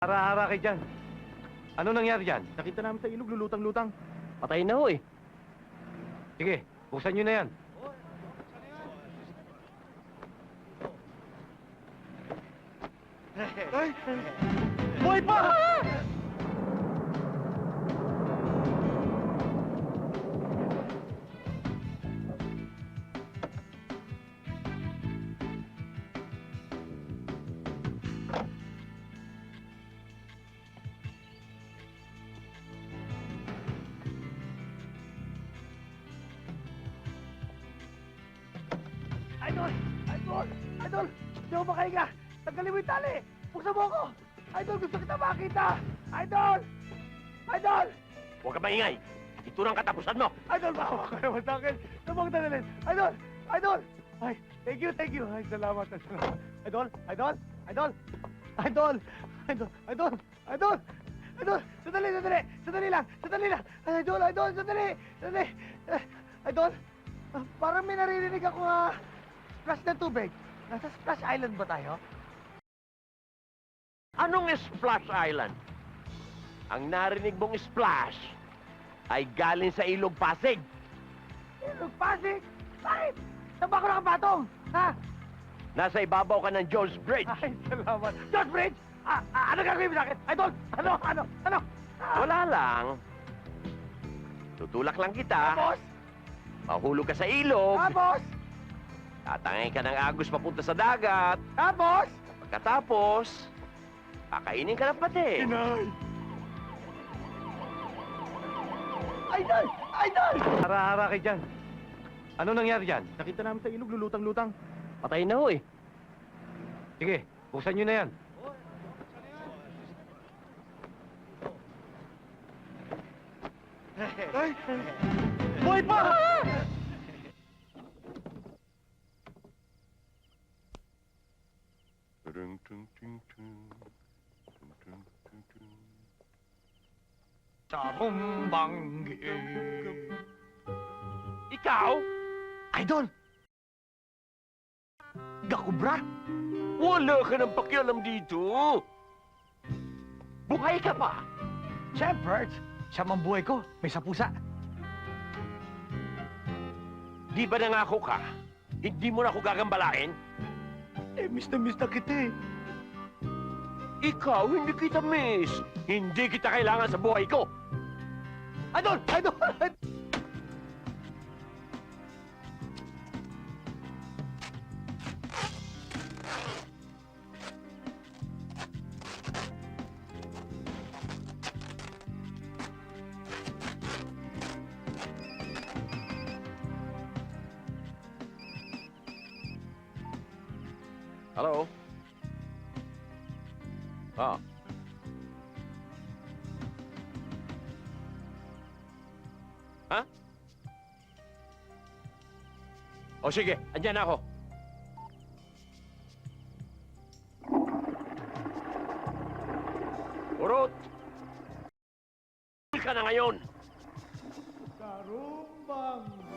Hara-hara kayo dyan. Ano nangyari dyan? Nakita namin sa ilog, lulutang-lutang. Patay na ho eh. Sige, buksan nyo na yan. Ay! Buhay pa! Idol! Idol! Idol! Di ako makahinga! Tanggalin mo yung tali! Buksan mo ako! Idol, gusto kita makita! Idol! Idol! Huwag ka maingay. Ito ang katapusan mo. Idol, maawa ka naman sa akin! Sabang dalilin! Idol! Idol! Ay, thank you, thank you! Ay, salamat, salamat! Idol! Idol! Idol! Idol! Idol! Idol! Idol! Idol! Sandali, sandali! Sandali lang! Sandali lang! Idol! Idol! Sandali! Sandali! Idol! Parang may naririnig ako nga splash ng tubig. Nasa Splash Island ba tayo? Anong Splash Island? Ang narinig mong splash ay galing sa Ilog Pasig. Ilog Pasig? Bakit? Saan ba ako nakapatong? Ha? Nasa ibabaw ka ng Jones Bridge. Ay, salamat. George Bridge! Ano gagawin mo sa akin? Idol! Ano? Wala lang. Tutulak lang kita. Tapos? Mahulog ka sa ilog. Tapos? Tatangay ka ng agos papunta sa dagat. Tapos? Pagkatapos, kakainin ka ng pati. Inay! Idol! Idol! Hara-hara kayo dyan. Ano nangyari dyan? Nakita namin sa ilog, lulutang-lutang. Patay na ho eh. Sige, buksan nyo na yan. Ay! Buhay pa! Tarumbanggi. Ikaw? Idol! Gakubra! Wala ka ng pakialam dito. Buhay ka pa. Shepherd! Siya mang buhay ko, may sapusa. Di ba nangako ka? Hindi mo na ako gagambalain? Miss na kita eh. Ikaw, hindi kita miss. Hindi kita kailangan sa buhay ko. Idol! Idol! Hello? Ah. Ha? O sige, andyan ako. Urot! ka na ngayon. Tarumbang